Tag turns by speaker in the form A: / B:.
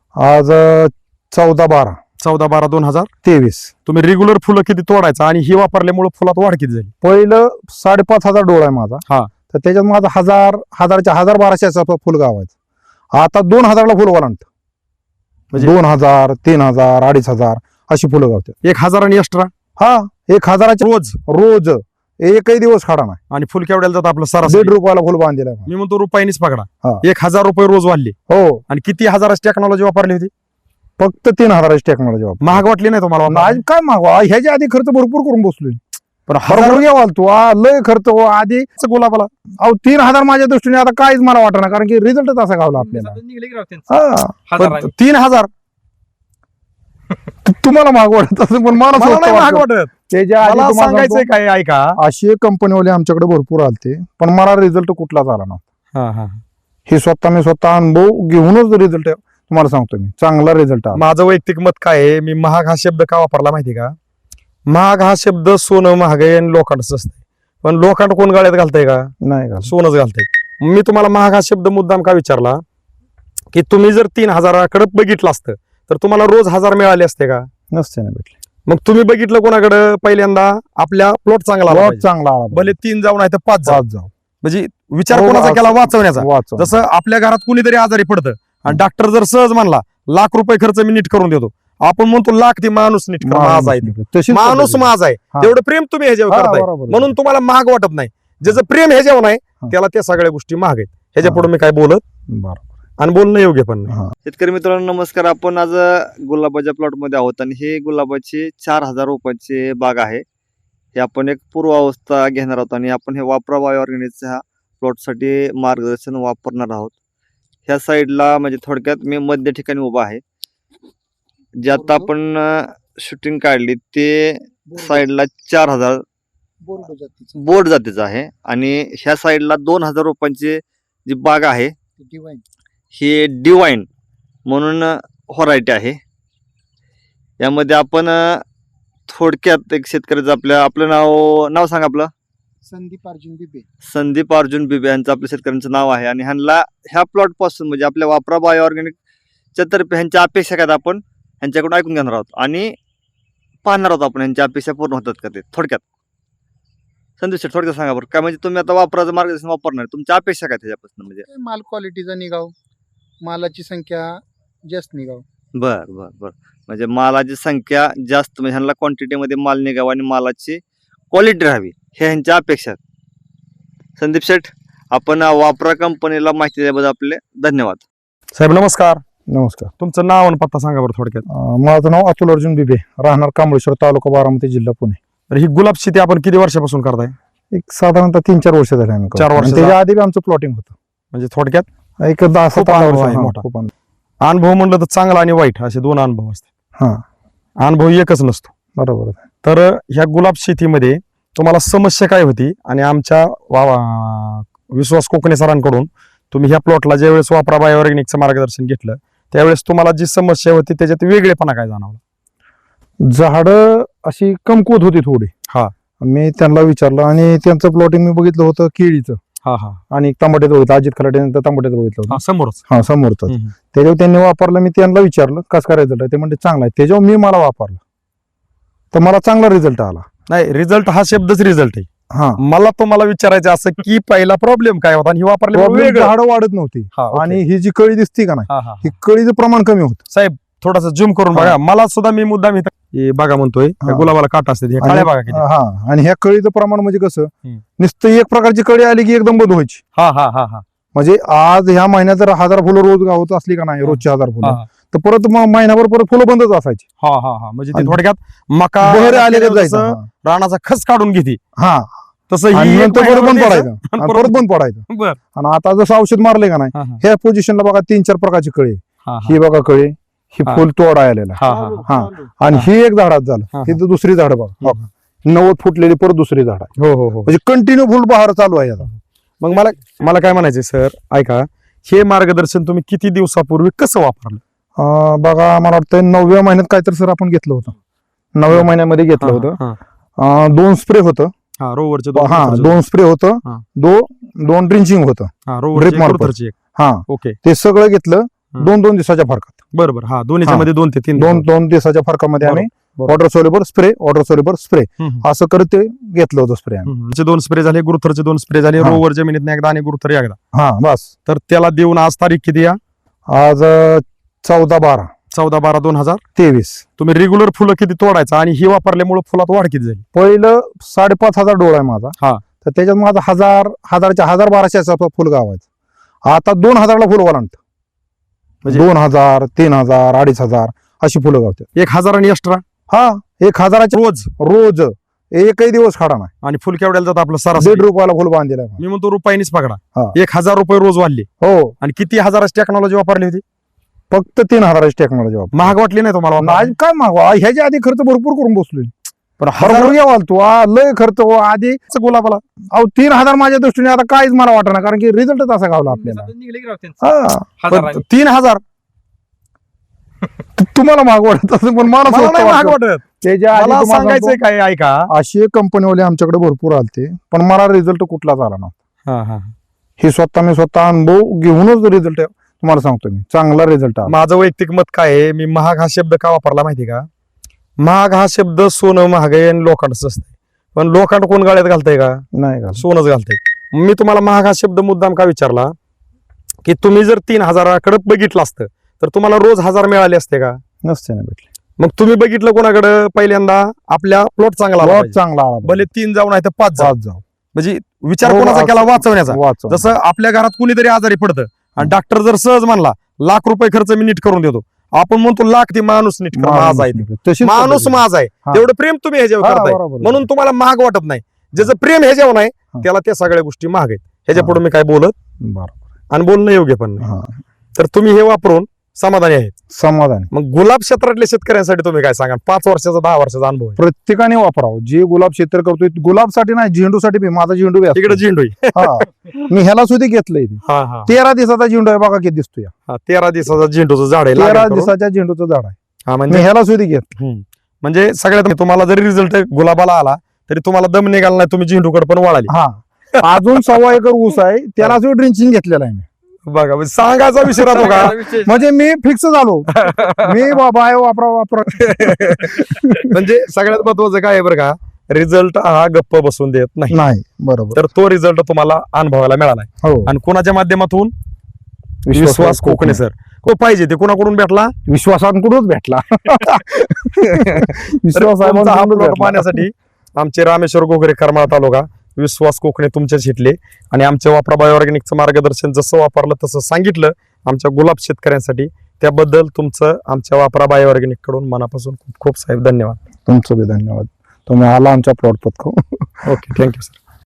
A: आज 14/12
B: 14/12/2023 तुम्ही रेग्युलर फुलं किती तोडायचा आणि ही वापरल्यामुळे फुलात वाढ किती झाली?
A: पहिलं 5,500 डोळा आहे माझा.
B: हा.
A: तर त्याच्यात माझा 1,000 फुल गावायचं. आता 2,000ला फुल ओलांडत.
B: म्हणजे
A: 2,000 3,000 2,500 अशी फुलं गावतात.
B: 1,000 आणि एक्स्ट्रा
A: हा 1,000
B: रोज
A: रोज एकही दिवस खाडा नाही.
B: आणि फुल केवढ्याला जातं आपलं सरासरी?
A: 1.5 रुपयाला फुल बांधलेलं आहे.
B: मी म्हणतो रुपयानीच पकडा.
A: हा.
B: 1,000 रुपये रोज वाढले.
A: हो
B: आणि किती हजाराची टेक्नॉलॉजी वापरली होती?
A: फक्त 3,000ची टेक्नॉलॉजी वापर.
B: महाग वाटली नाही तुम्हाला वापरायला?
A: आज काय मागवा ह्याच्या आधी खर्च भरपूर करून बसलोय.
B: पण
A: बरोबर घ्यावाल तू लय खर्च आधी
B: गुलाबाला
A: 3,000 माझ्या दृष्टीने आता काहीच मला वाटणार कारण की रिझल्टच असा गावला आपल्याला.
B: पण 3,000
A: तुम्हाला महाग वाटत असेल पण मला स्वस्त
B: नाही महाग
A: वाटतं.
B: वाटत.
A: त्याच्या आधी
B: मला
A: तुम्हाला
B: सांगायचंय
A: सांगतो,
B: काय ऐका.
A: अशी कंपनीवाले आमच्याकडे भरपूर आलते पण मला रिझल्ट कुठलाच आला ना. हे मी स्वतः अनुभव घेऊनच रिझल्ट तुम्हाला सांगतो मी चांगला रिझल्ट आला.
B: माझं वैयक्तिक मत काय आहे, मी महाग हा शब्द का वापरला माहिती का? महाग हा शब्द सोनं महाग आहे आणि लोखंडच असतंय. पण लोखंड कोण गाळ्यात घालतंय का?
A: नाही का
B: सोनच घालतंय. मी तुम्हाला महाग हा शब्द मुद्दाम का विचारला की तुम्ही जर 3,000कडे बघितलं असतं तर तुम्हाला रोज 1,000 मिळाले असते का?
A: नसते ना भेटले.
B: मग तुम्ही बघितलं कोणाकडे? पहिल्यांदा आपल्या प्लॉट चांगला आला पाहिजे.
A: चांगला आला
B: भले 3 जाऊ नाही तर 5 जाऊ.
A: जाऊ
B: म्हणजे विचार
A: हो,
B: कोणाचा केला?
A: असं.
B: वाचवण्याचा.
A: वाचव.
B: जसं आपल्या घरात कुणीतरी आजारी पडतं आणि डॉक्टर जर सहज म्हणला ₹1,00,000 खर्च मी नीट करून देतो, आपण म्हणतो लाख ती माणूस नीट कर, माझा आहे ते.
A: तशीच
B: माणूस
A: पद्धत आहे.
B: माझा आहे.
A: हा.
B: तेवढं प्रेम तुम्ही ह्याच्यावर
A: हा,
B: करताय
A: बरोबर आहे.
B: म्हणून तुम्हाला महाग वाटत नाही. ज्याचं प्रेम ह्याच्यावर नाही
A: हा.
B: त्याला त्या सगळ्या गोष्टी महाग आहेत. ह्याच्या
A: हा.
B: पुढे मी काय बोलत
A: बरोबर.
B: आणि बोलणं योग्य पण नाही.
A: हा.
C: शेतकरी मित्रांनो नमस्कार. आपण आज गुलाबाच्या प्लॉट मध्ये आहोत आणि हे गुलाबाची 4,000 रोपांची बाग आहे. हे आपण एक पूर्वावस्था घेणार आहोत आणि आपण हे वापरा बायो ऑर्गॅनिकच्या प्लॉटसाठी मार्गदर्शन वापरणार आहोत. ह्या साईडला म्हणजे थोडक्यात मी मध्य ठिकाणी उभा आहे. जे आता आपण शूटिंग काढली ते साईडला 4,000 बोर्ड जातीचं आहे आणि ह्या साईडला 2,000 रोपांची जी बाग आहे ही डिवाइन म्हणून व्हरायटी आहे. यामध्ये आपण थोडक्यात एक शेतकऱ्याचं आपलं नाव सांगा. आपलं संदीप अर्जुन बिबे यांचं आपल्या शेतकऱ्यांचं नाव आहे आणि ह्या प्लॉट पासून म्हणजे आपल्या वापरा बायो ऑर्गॅनिकच्या तर्फे ह्यांच्या अपेक्षा काय आपण ह्यांच्याकडून ऐकून घेणार आहोत आणि पाहणार आहोत आपण ह्यांच्या अपेक्षा पूर्ण होतात का ते. थोडक्यात संदीप शेठ थोडक्यात सांगा बरं काय म्हणजे तुम्ही आता वापराचं मार्गदर्शन वापरणार तुमच्या अपेक्षा काय त्याच्यापासून? म्हणजे
D: माल क्वालिटीचा निघाव, मालाची संख्या जास्त निघाव.
C: बर बर बर म्हणजे मालाची संख्या जास्त म्हणजे ह्यांना क्वांटिटीमध्ये माल निघावा आणि मालाची क्वालिटी राहावी हे ह्यांच्या अपेक्षा आहेत. संदीप शेठ आपण वापरा कंपनीला माहिती दिल्याबद्दल आपले धन्यवाद.
B: साहेब नमस्कार.
A: नमस्कार.
B: तुमचं नाव आणि पत्ता सांगा बरं थोडक्यात.
A: माझं नाव अतुल अर्जुन बिबे, राहणार कांबळेश्वर, तालुका बारामती, जिल्हा पुणे.
B: तर ही गुलाब शेती आपण किती वर्षापासून करताय?
A: एक साधारणतः 3-4 वर्ष झाले आम्ही
B: 4 वर्ष
A: त्याच्या आधी बी आमचं प्लॉटिंग होतं.
B: म्हणजे थोडक्यात
A: एक 10-17
B: अनुभव
A: वर्ष
B: आहे
A: हा,
B: मोठा.
A: खूप अनुभव.
B: अनुभव म्हणलं तर चांगला आणि वाईट असे 2 अनुभव असतात.
A: हा
B: अनुभव एकच नसतो.
A: बरोबर आहे.
B: तर ह्या गुलाब शेतीमध्ये तुम्हाला समस्या काय होती आणि आमच्या विश्वास कोकणे सरांकडून तुम्ही ह्या प्लॉटला ज्यावेळेस वापरा बायो ऑर्गॅनिकचं मार्गदर्शन घेतलं त्यावेळेस तुम्हाला जी समस्या होती त्याच्यात वेगळेपणा काय जाणवला?
A: झाडं अशी कमकुवत होती थोडी.
B: हा.
A: मी त्यांना विचारलं आणि त्यांचं प्लॉटिंग मी बघितलं होतं केळीचं
B: हा हा
A: आणि टमाट्याचं बघितलं, अजित खलाटेनंतर टमाट्याचं बघितलं होतं.
B: समोरच.
A: हा समोरच. त्याच्यावर त्यांनी वापरलं. मी त्यांना विचारलं कसं काय रिझल्ट आहे, ते म्हणजे चांगला आहे. त्याच्यावर मी मला वापरलं तर मला चांगला रिझल्ट आला.
B: नाही रिझल्ट हा शब्दच रिझल्ट आहे.
A: हा
B: मला तुम्हाला विचारायचं असं की पहिला प्रॉब्लेम काय होता आणि ही वापरली
A: झाडं वाढत नव्हती आणि ही जी कळी दिसती का नाही ही कळीचं प्रमाण कमी होतं.
B: साहेब थोडासा झूम करून बघा. मला सुद्धा मी मुद्दाम इथं बघा म्हणतोय
A: हा.
B: गुलाबाला काटा असते काळ्या बघा किती.
A: हा आणि ह्या कळीचं प्रमाण म्हणजे कसं नुसतं एक प्रकारची कळी आली की एकदम बंद व्हायची.
B: हा हा हा हा
A: म्हणजे आज ह्या महिन्यात जर 1,000 फुलं रोज गावत असली का नाही, रोजची 1,000 फुलं, तर परत महिनाभर परत फुलं बंदच असायची.
B: हा हा हा म्हणजे ते थोडक्यात मका
A: बहर आलेलं
B: जसं
A: जायचं.
B: रानाचा खस काढून घेते
A: हा
B: तसं
A: आणि
B: ही एक
A: नंतर परत बंद
B: महिना
A: पडायचं
B: आणि
A: आणि
B: परत
A: परत बंद पडायचं.
B: बर.
A: आणि आता जसं औषध मारले का नाही
B: हा, हा.
A: ह्या पोझिशनला बघा 3-4 प्रकारची कळी.
B: हा, हा.
A: ही बघा कळी, ही
B: हा.
A: फुल तोडा आलेला
B: हा, हा, हा.
A: हा आणि ही एक झाडात झालं.
B: हा.
A: ही दुसरी झाड बघा
B: हा.
A: 90 फुटलेली परत दुसरी झाड आहे.
B: हो हो हो.
A: म्हणजे कंटिन्यू फुल बहार चालू आहे आता.
B: मग मला काय म्हणायचंय सर ऐका, हे मार्गदर्शन तुम्ही किती दिवसापूर्वी कसं वापरलं?
A: बघा मला वाटतं 9व्या महिन्यात काहीतरी सर आपण घेतलं होतं. 9व्या महिन्यामध्ये घेतलं होतं. 2 स्प्रे होतं.
B: रोवरचे
A: हा 2 स्प्रे होतं.
B: हा.
A: 2 ड्रिंचिंग होतं. ड्रिप मार्फत.
B: रोवरची
A: हा
B: ओके.
A: ते सगळं घेतलं 2-2 दिवसाच्या फरकात.
B: बरोबर. हा दोन्हीच्या
A: हा.
B: मध्ये 2 ते 3
A: दोन दिवसाच्या फरकामध्ये आम्ही
B: बरोबर.
A: वॉटर सोल्युबल स्प्रे असं करत ते घेतलं होतं स्प्रे.
B: 2 स्प्रे झाले, गुरुथरचे 2 स्प्रे झाले,
A: हा.
B: रोवर जमिनीत एकदा आणि गुरुथर एकदा.
A: हा बस.
B: तर त्याला देऊन आज तारीख किती या?
A: आज 14/12
B: 14/12/2023. तुम्ही रेग्युलर फुलं किती तोडायचं आणि ही वापरल्यामुळे फुलात वाढ किती झाली?
A: पहिलं 5,500 डोळा आहे माझा.
B: हा.
A: तर त्याच्यात माझा 1,1200 फुल गावायचं. आता 2,000ला फुल ओलांडत.
B: म्हणजे
A: 2,000, 3,000, 2,500 अशी फुलं गावतात.
B: 1,000 आणि एक्स्ट्रा
A: हा 1,000
B: रोज
A: एकही दिवस खाडा नाही.
B: आणि फुल केवढ्याला जातं आपलं सरासरी?
A: ₹1.5 फुल बांधलेलं आहे.
B: मी म्हणतो रुपयानीच पकडा.
A: हा.
B: 1,000 रुपये रोज वाढले.
A: हो
B: आणि किती हजाराची टेक्नॉलॉजी वापरली होती?
A: फक्त 3,000ची टेक्नॉलॉजी वापर.
B: महाग वाटली नाही तुम्हाला वापरायला?
A: नाही काय मागवा, ह्याच्या आधी खर्च भरपूर करून बसलोय.
B: पण
A: हरभरा घ्यावाल तू लय खर्च आधी.
B: गुलाबाला
A: 3,000 माझ्या दृष्टीने आता काहीच मला वाटणार, कारण की रिझल्टच असा गावला आपल्याला. हा.
B: 3,000
A: तुम्हाला महाग वाटत असेल, पण मला
B: मला
A: स्वस्त
B: नाही महाग
A: वाटतं.
B: वाटत.
A: त्याच्या आधी
B: मला
A: तुम्हाला
B: सांगायचंय
A: सांगतो,
B: काय ऐका.
A: असे कंपनीवाले आमच्याकडे भरपूर आलते, पण मला रिझल्ट कुठलाच आला ना. हे मी स्वतः अनुभव घेऊनच रिझल्ट तुम्हाला सांगतो मी, चांगला रिझल्ट आला.
B: माझं वैयक्तिक मत काय आहे, मी महाग हा शब्द का वापरला माहिती का? महाग हा शब्द सोनं महाग आहे आणि लोखंडच असतंय. पण लोखंड कोण गाळ्यात घालतंय का?
A: नाही का?
B: सोनच घालतंय. मी तुम्हाला महाग हा शब्द मुद्दाम का विचारला की तुम्ही जर 3,000कडे बघितलं असतं तर तुम्हाला रोज 1,000 मिळाले असते का?
A: नसते ना भेटले.
B: मग तुम्ही बघितलं कोणाकडे? पहिल्यांदा आपल्या प्लॉट चांगला आला
A: बहुत
B: पाहिजे.
A: चांगला आला.
B: भले 3 जाऊ नाही तर 5 जाऊ.
A: जाऊ
B: म्हणजे विचार
A: हो,
B: कोणाचा
A: असं-
B: केला? वाचवण्याचा.
A: वाचव.
B: जसं आपल्या घरात कुणीतरी आजारी पडतं आणि डॉक्टर जर सहज म्हणला ₹1,00,000 खर्च मी नीट करून देतो, आपण म्हणतो लाख ते माणूस नीट कर, माझा आहे ते.
A: तशीच
B: माणूस
A: पद्धत आहे.
B: माझा आहे.
A: हा.
B: तेवढं प्रेम तुम्ही ह्याच्यावर
A: हा,
B: करताय
A: बरोबर आहे.
B: म्हणून तुम्हाला महाग वाटत नाही. ज्याचं प्रेम ह्याच्यावर नाही
A: हा.
B: त्याला त्या सगळ्या गोष्टी महाग आहेत. ह्याच्या
A: हा.
B: पुढे मी काय बोलत
A: बरोबर.
B: आणि बोलणं योग्य पण नाही.
A: हा.
B: तर तुम्ही हे वापरून समाधानी आहेत.
A: समाधान.
B: मग गुलाब क्षेत्रातल्या शेतकऱ्यांसाठी तुम्ही काय सांगा? 5 वर्षाचा 10 वर्षाचा अनुभव आहे.
A: प्रत्येकाने वापरावं. जे गुलाब क्षेत्र करतोय, गुलाबसाठी नाही, झेंडूसाठी बी. माझा झेंडू बी असतो.
B: तिकडे झेंडू आहे.
A: हा. मी ह्याला सुद्धा घेतलंय.
B: हा हा
A: 13 दिवसाचा झेंडू आहे बघा, किती दिसतोय.
B: हा 13 दिवसाचा झेंडूचं झाड आहे.
A: 13
B: लागेल करून.
A: दिवसाच्या झेंडूचं झाड आहे.
B: हा
A: मी
B: म्हणजे
A: ह्याला सुद्धा घेतलं.
B: म्हणजे सगळ्यात तुम्हाला जरी रिझल्ट गुलाबाला आला तरी तुम्हाला दम निघाला नाही, तुम्ही झेंडूकडे पण वळाली.
A: हा. अजून 1.25 एकर ऊस आहे, त्याला सुद्धा ड्रिंचिंग घेतलेला आहे मी.
B: बघा म्हणजे सांगायचा विषय राहतो का?
A: म्हणजे मी फिक्स झालो. मी बाबा वापरा.
B: म्हणजे सगळ्यात महत्वाचं काय आहे बरं का? रिझल्ट हा गप्प बसून देत नाही.
A: नाही. बरोबर.
B: तर तो रिझल्ट तुम्हाला अनुभवायला मिळाला.
A: हो.
B: आणि कोणाच्या माध्यमातून? विश्वास कोकणे सर. तो पाहिजे ते कोणाकडून भेटला?
A: विश्वासांकडूनच भेटला.
B: तुमचा हा प्लॉट पाहण्यासाठी आमचे रामेश्वर गोगरे, करमाळा तालुका, विश्वास कोकणे तुमच्याच हिटले आणि आमच्या वापरा बायोऑर्गॅनिकचं मार्गदर्शन जसं वापरलं तसं सांगितलं आमच्या गुलाब शेतकऱ्यांसाठी, त्याबद्दल तुमचं आमच्या वापरा बायोऑर्गॅनिक कडून मनापासून खूप खूप साहेब धन्यवाद.
A: तुमचं बी धन्यवाद. तुम्ही आला आमच्या प्लॉट पत्करून.
B: Okay, thank you sir.